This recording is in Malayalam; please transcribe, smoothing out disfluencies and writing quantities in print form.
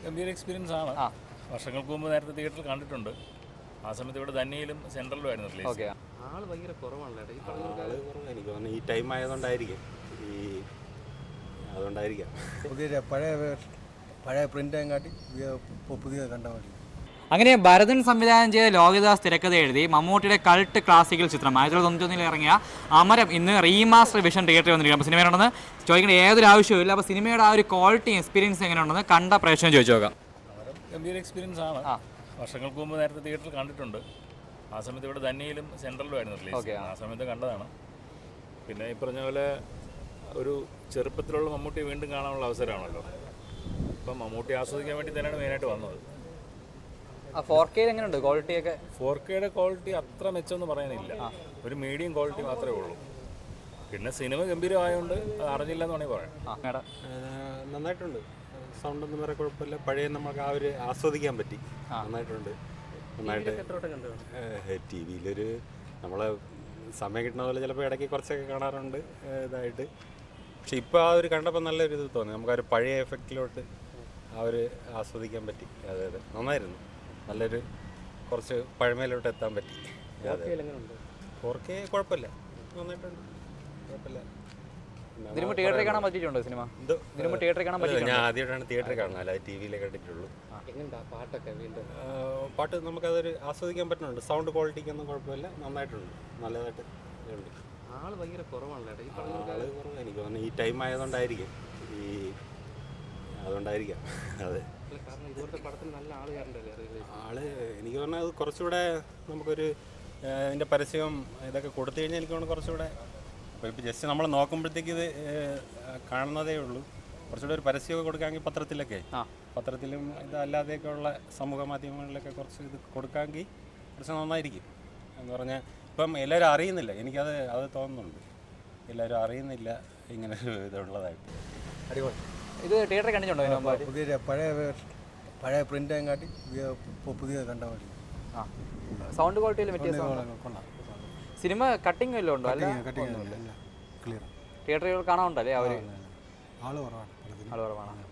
ഗംഭീര എക്സ്പീരിയൻസ് ആണ്. വർഷങ്ങൾക്ക് മുമ്പ് നേരത്തെ തിയേറ്ററിൽ കണ്ടിട്ടുണ്ട്. ആ സമയത്ത് ഇവിടെ ധന്യയിലും സെൻട്രലിലും ആയിരുന്നു റിലീസ്. ആള് ഭയങ്കര കുറവാണല്ലോ. എനിക്ക് തോന്നുന്നു ഈ ടൈം ആയതുകൊണ്ടായിരിക്കും. അതുകൊണ്ടായിരിക്കാം പുതിയ പഴയ പ്രിൻ്റേയും കാട്ടി പുതിയ കണ്ട മതി. അങ്ങനെ ഭരതൻ സംവിധാനം ചെയ്ത ലോഹിതദാസ് തിരക്കഥ എഴുതി മമ്മൂട്ടിയുടെ കൾട്ട് ക്ലാസിക്കൽ ചിത്രം 1991 ഇറങ്ങിയ അമരം ഇന്ന് റീമാസ്റ്റർ വിഷൻ തിയേറ്ററിൽ വന്നിരിക്കും. അപ്പോൾ സിനിമയുണ്ടെന്ന് ചോദിക്കേണ്ട ഏതൊരു ആവശ്യമില്ല. അപ്പോൾ സിനിമയുടെ ആ ഒരു ക്വാളിറ്റി എക്സ്പീരിയൻസ് എങ്ങനെയുണ്ടെന്ന് കണ്ട പ്രേക്ഷകൻ ചോദിച്ചു നോക്കാം. അമരം ഗംഭീര എക്സ്പീരിയൻസ് ആണ്. വർഷങ്ങൾക്ക് മുമ്പ് നേരത്തെ തിയേറ്ററിൽ കണ്ടിട്ടുണ്ട്. ആ സമയത്ത് ഇവിടെ ധന്യയിലും സെൻട്രലിലും ആയിരുന്നു റിലീസ്. ആ സമയത്ത് കണ്ടതാണ്. പിന്നെ ഈ പറഞ്ഞ പോലെ ഒരു ചെറുപ്പത്തിലുള്ള മമ്മൂട്ടി വീണ്ടും കാണാനുള്ള അവസരമാണല്ലോ. അപ്പം മമ്മൂട്ടി ആസ്വദിക്കാൻ വേണ്ടി തന്നെയാണ് മെയിനായിട്ട് വന്നത്. 4K എങ്ങനെയുണ്ട് ക്വാളിറ്റിയൊക്കെ? 4Kയുടെ ക്വാളിറ്റി അത്ര മെച്ചമെന്ന് പറയാനില്ല. ഒരു മീഡിയം ക്വാളിറ്റി മാത്രമേ ഉള്ളൂ. പിന്നെ സിനിമ ഗംഭീരമായതുകൊണ്ട് അത് അറിഞ്ഞില്ല എന്ന് വേണമെങ്കിൽ പറയാം. നന്നായിട്ടുണ്ട്. സൗണ്ടൊന്നും വേറെ കുഴപ്പമില്ല. പഴയ നമുക്ക് ആ ഒരു ആസ്വദിക്കാൻ പറ്റി. നന്നായിട്ടുണ്ട്. നന്നായിട്ട് ടി വിയിലൊരു നമ്മളെ സമയം കിട്ടുന്ന പോലെ ചിലപ്പോൾ ഇടയ്ക്ക് കുറച്ചൊക്കെ കാണാറുണ്ട് ഇതായിട്ട്. പക്ഷെ ഇപ്പോൾ ആ ഒരു കണ്ടപ്പോൾ നല്ലൊരു ഇത് തോന്നി. നമുക്കൊരു പഴയ എഫക്റ്റിലോട്ട് ആ ഒരു ആസ്വദിക്കാൻ പറ്റി. അതെ നന്നായിരുന്നു. നല്ലൊരു കുറച്ച് പഴമയിലോട്ട് എത്താൻ പറ്റി. 4K കുഴപ്പമില്ല, നന്നായിട്ടുണ്ട്, കുഴപ്പമില്ല. തിയേറ്ററിൽ കാണാൻ പറ്റിയിട്ടുണ്ടോ സിനിമ? തിയേറ്ററിൽ കാണാൻ പറ്റില്ല. ഞാൻ ആദ്യമായിട്ടാണ് തിയേറ്ററിൽ കാണുന്നത്, അല്ലാതെ ടി വിയിലേ കണ്ടിട്ടുള്ളൂ. പാട്ട് നമുക്കതൊരു ആസ്വദിക്കാൻ പറ്റുന്നുണ്ട്. സൗണ്ട് ക്വാളിറ്റിക്കൊന്നും കുഴപ്പമില്ല, നന്നായിട്ടുണ്ട്, നല്ലതായിട്ട് ഉണ്ട്. ആള് ഭയങ്കര കുറവാണല്ലോ. ആള് കുറവ് എനിക്ക് തോന്നുന്നു ഈ ടൈം ആയതുകൊണ്ടായിരിക്കും. അതുകൊണ്ടായിരിക്കാം. അതെ, ആള് എനിക്ക് പറഞ്ഞാൽ അത് കുറച്ചുകൂടെ നമുക്കൊരു അതിൻ്റെ പരസ്യം ഇതൊക്കെ കൊടുത്തു കഴിഞ്ഞാൽ എനിക്ക് തോന്നുന്നു കുറച്ചുകൂടെ ഇപ്പോൾ ജസ്റ്റ് നമ്മൾ നോക്കുമ്പോഴത്തേക്ക് ഇത് കാണുന്നതേ ഉള്ളൂ. കുറച്ചുകൂടെ ഒരു പരസ്യമൊക്കെ കൊടുക്കാമെങ്കിൽ പത്രത്തിലും ഇതല്ലാതെയൊക്കെ ഉള്ള സമൂഹ മാധ്യമങ്ങളിലൊക്കെ കുറച്ച് ഇത് കൊടുക്കാമെങ്കിൽ കുറച്ച് നന്നായിരിക്കും. എന്ന് പറഞ്ഞാൽ ഇപ്പം എല്ലാവരും അറിയുന്നില്ല, അത് തോന്നുന്നുണ്ട്. എല്ലാവരും അറിയുന്നില്ല ഇങ്ങനെ ഒരു ഇതുള്ളതായിട്ട്. അടിപൊളി. ഇത് തിയേറ്ററിൽ കണ്ടിട്ടുണ്ടോ? പുതിയ പഴയ പ്രിൻ്റേയും കാട്ടി പുതിയ കണ്ട മതി. സൗണ്ട് ക്വാളിറ്റിയിൽ കൊള്ളാം. സിനിമ കട്ടിങ് വല്ലതും ഉണ്ടോ? ക്ലിയർ. തിയേറ്ററുകൾ കാണാറുണ്ടല്ലേ? ആള് കുറവാണ്. ആള് കുറവാണ്.